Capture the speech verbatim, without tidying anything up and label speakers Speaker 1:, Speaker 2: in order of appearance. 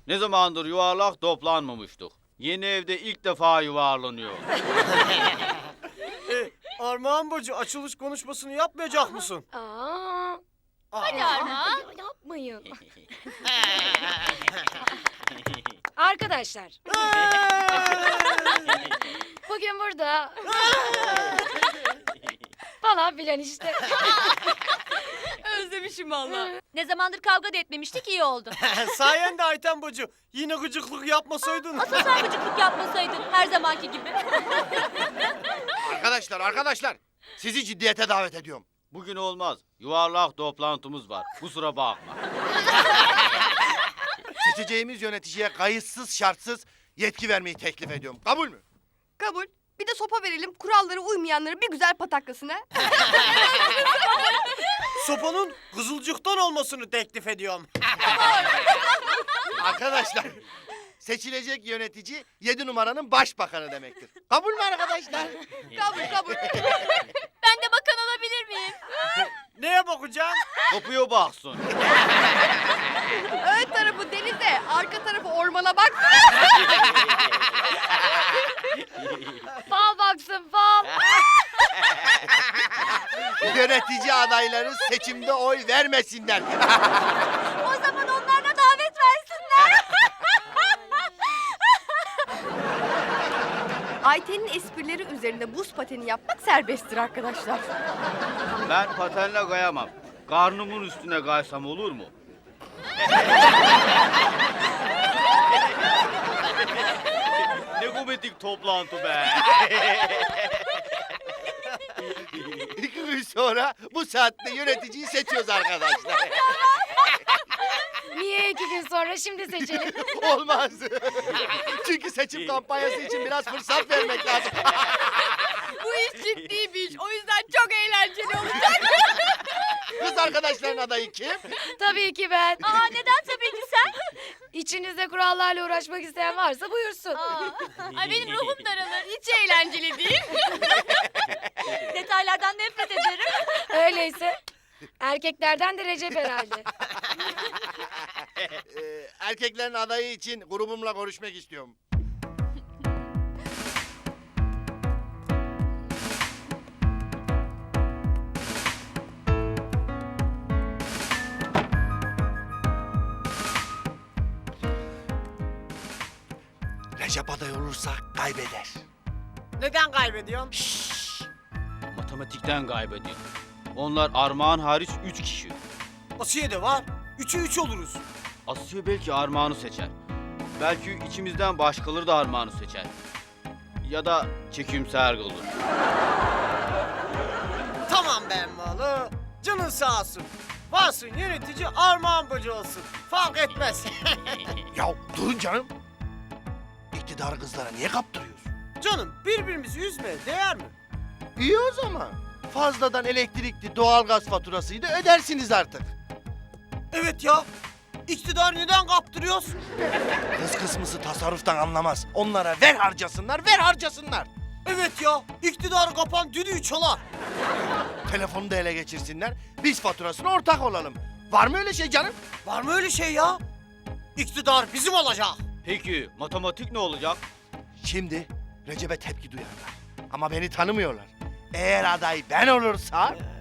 Speaker 1: Ne zamandır yuvarlak toplanmamıştık. Yeni evde ilk defa yuvarlanıyor.
Speaker 2: E, Armağan Bacı açılış konuşmasını yapmayacak mısın?
Speaker 3: Aa,
Speaker 2: Hadi
Speaker 3: Armağan. Yapmayın. Arkadaşlar, bugün burada falan filan işte.
Speaker 4: Özlemişim valla. Ne zamandır kavga da etmemiştik, iyi oldu.
Speaker 2: Sayende Ayten Bacı. Yine gıcıklık yapmasaydın.
Speaker 4: Asıl sen gıcıklık yapmasaydın her zamanki gibi.
Speaker 5: Arkadaşlar, arkadaşlar. Sizi ciddiyete davet ediyorum.
Speaker 1: Bugün olmaz. Yuvarlak toplantımız var. Kusura bakma.
Speaker 5: Seçeceğimiz yöneticiye kayıtsız şartsız yetki vermeyi teklif ediyorum. Kabul mü?
Speaker 6: Kabul. Bir de sopa verelim, kurallara uymayanları bir güzel pataklasın ha.
Speaker 2: Sopanın kızılcıktan olmasını teklif ediyorum.
Speaker 5: Arkadaşlar, seçilecek yönetici yedi numaranın başbakanı demektir. Kabul mü arkadaşlar?
Speaker 6: Kabul kabul.
Speaker 4: Ben de bakan olabilir miyim?
Speaker 2: Neye bakacaksın?
Speaker 1: Kapıya baksın.
Speaker 6: Ön tarafı denize, arka tarafı ormana bak.
Speaker 3: Fal baksın fal.
Speaker 5: Yönetici adayları seçimde oy vermesinler.
Speaker 4: O zaman onlarla davet versinler.
Speaker 6: Ayten'in esprileri üzerinde buz pateni yapmak serbesttir arkadaşlar.
Speaker 1: Ben patenle kayamam. Karnımın üstüne kaysam olur mu? Ne komedik toplantı be.
Speaker 5: İki gün sonra bu saatte yöneticiyi seçiyoruz arkadaşlar.
Speaker 3: Niye iki gün sonra şimdi seçelim?
Speaker 5: Olmaz. Çünkü seçim kampanyası için biraz fırsat vermek lazım.
Speaker 6: Bu iş ciddi bir iş. O yüzden çok eğlenceli olacak.
Speaker 5: Kız arkadaşların adayı kim?
Speaker 3: Tabii ki ben.
Speaker 4: Aa, neden tabii ki sen?
Speaker 3: İçinizde kurallarla uğraşmak isteyen varsa buyursun.
Speaker 4: Aa, ay benim ruhum daralır.
Speaker 6: Hiç eğlenceli değil.
Speaker 4: Detaylardan nefret ederim.
Speaker 3: Öyleyse erkeklerden de Recep herhalde.
Speaker 5: Ee, erkeklerin adayı için grubumla görüşmek istiyorum. Recep aday olursa kaybeder.
Speaker 2: Neden kaybediyorsun?
Speaker 1: Matematikten kaybediyor. Onlar Armağan hariç üç kişi.
Speaker 2: Asiye de var. Üçü üç oluruz.
Speaker 1: Asya belki Armağan'ı seçer. Belki içimizden başkaları da Armağan'ı seçer. Ya da çekimser olur.
Speaker 2: Tamam ben malı. Canın sağ olsun. Varsın yönetici Armağan Bacı olsun. Fark etmez.
Speaker 5: Ya durun canım. İktidarı kızlara niye kaptırıyorsun?
Speaker 2: Canım birbirimizi üzmeye değer mi?
Speaker 5: İyi o zaman. Fazladan elektrikli doğalgaz faturasıydı ödersiniz artık.
Speaker 2: Evet ya. İktidar neden kaptırıyoruz?
Speaker 5: Kız kısmısı tasarruftan anlamaz. Onlara ver harcasınlar, ver harcasınlar.
Speaker 2: Evet ya. İktidarı kapan düdüğü çalar.
Speaker 5: Telefonu da ele geçirsinler. Biz faturasına ortak olalım. Var mı öyle şey canım?
Speaker 2: Var mı öyle şey ya? İktidar bizim olacak.
Speaker 1: Peki matematik ne olacak?
Speaker 5: Şimdi Recep'e tepki duyarlar. Ama beni tanımıyorlar. Eğer aday ben olursam